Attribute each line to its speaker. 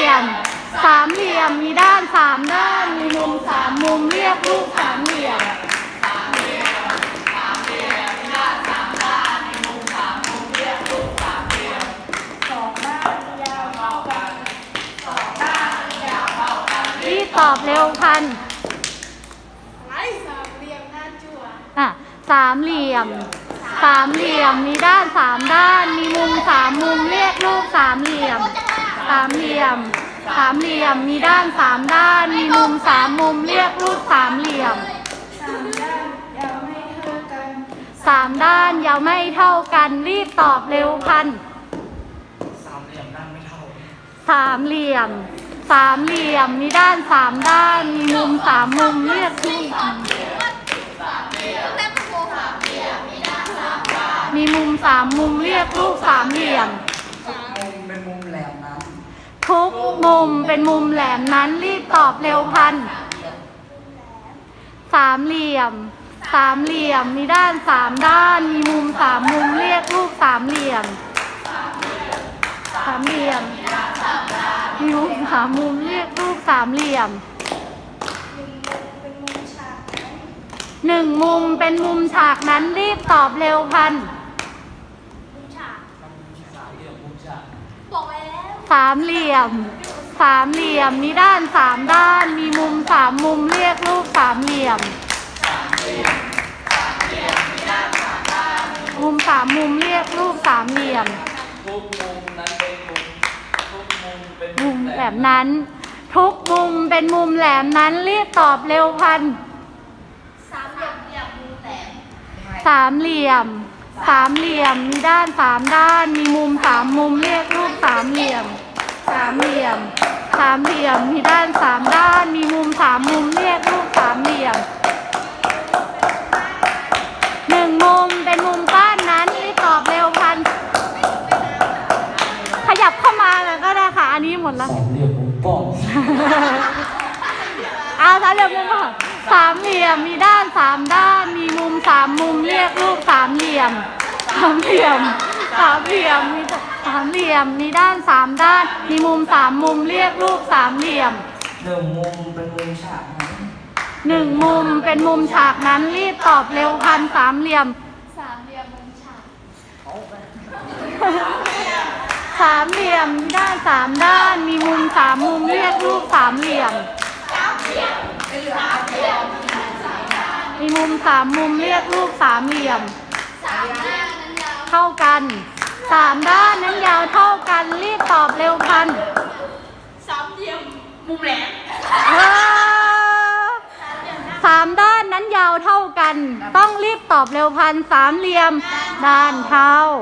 Speaker 1: มสามเหลี่ยมมีด้านสามด้านมีมุมสามมุมเรียกรูปสามเหลี่ยมรีบตอบเร็วพันสามเหลี่ยมมีด้านสามด้านมีมุมสามมุมเรียกรูปสามเหลี่ยมมีด้านสามด้านมีมุมสามมุมเรียกรูปสามเหลี่ยมสามด้านยาวไม่เท่ากันรีบตอบเร็วพันสามเหลี่ยมด้านไม่เท่าสามเหลี่ยมมีด้านสามด้านมีมุมสามมุมเรียกรูปมีมุมสามมุมเรียกรูปสามเหลี่ยม
Speaker 2: เป็นมุมแหลมนั้น
Speaker 1: ทุกมุมเป็นมุมแหลมนั้นรีบตอบเร็วพันสามเหลี่ยมมีด้านสามด้านมีมุมสามมุมเรียกรูปสามเหลี่ยมมีมุมสามมุมเรียกรูปสามเหลี่ยมหนึ่งมุมเป็นมุมฉากนั้นรีบตอบเร็วพันสามเหลี่ยมมีด้านสามด้านมีมุมสามมุมเรียกรูปสามเหลี่ยมมุมสามมุมเรียกรูปสามเหลี่ยม
Speaker 2: ทุกมุมนั้นเป็น
Speaker 1: มุมแหลมนั้นทุกมุมเป็นมุมแหลมนั้นรีบตอบเร็วพันสามเหลี่ยมมีด้านสามด้านมีมุมสามมุมเรียกรูปสามเหลี่ยมมีด้านสามด้านมีมุมสามมุมเรียกรูปสามเหลี่ยมหนึ่งมุมเป็นมุมก้านนั้นรีบตอบเร็วพันขยับเข้ามาแล้วก็ได้ค่ะอันนี้หมดแล้ว
Speaker 2: สามเหลี่ยมมุมป้อม
Speaker 1: เอาสามเหลี่ยมมุมป้อมสามเหลี่ยมมีด้านสามด้านมีมุมสามมุมเรียกรูปสามเหลี่ยมมีด้านสามด้านมีมุมสามมุมเรียกรูปสามเหลี่ยม
Speaker 2: หนึ่งมุมเป็นมุมฉาก
Speaker 1: นั้นรีบตอบเร็วพันสามเหลี่ยมมุมฉากสามเหลี่ยมมีด้านสามด้านมีมุมสามมุมเรียกรูปสามเหลี่ยมมีมุมสามมุมเรียกรูปสามเหลี่ยมเท่ากันสามด้านนั้นยาวเท่ากันรีบตอบเร็วพัน
Speaker 3: สามเหลี่ยมมุมแหลม
Speaker 1: สามด้านนั้นยาวเท่ากันต้องรีบตอบเร็วพันสามเหลี่ยมด้านเท่า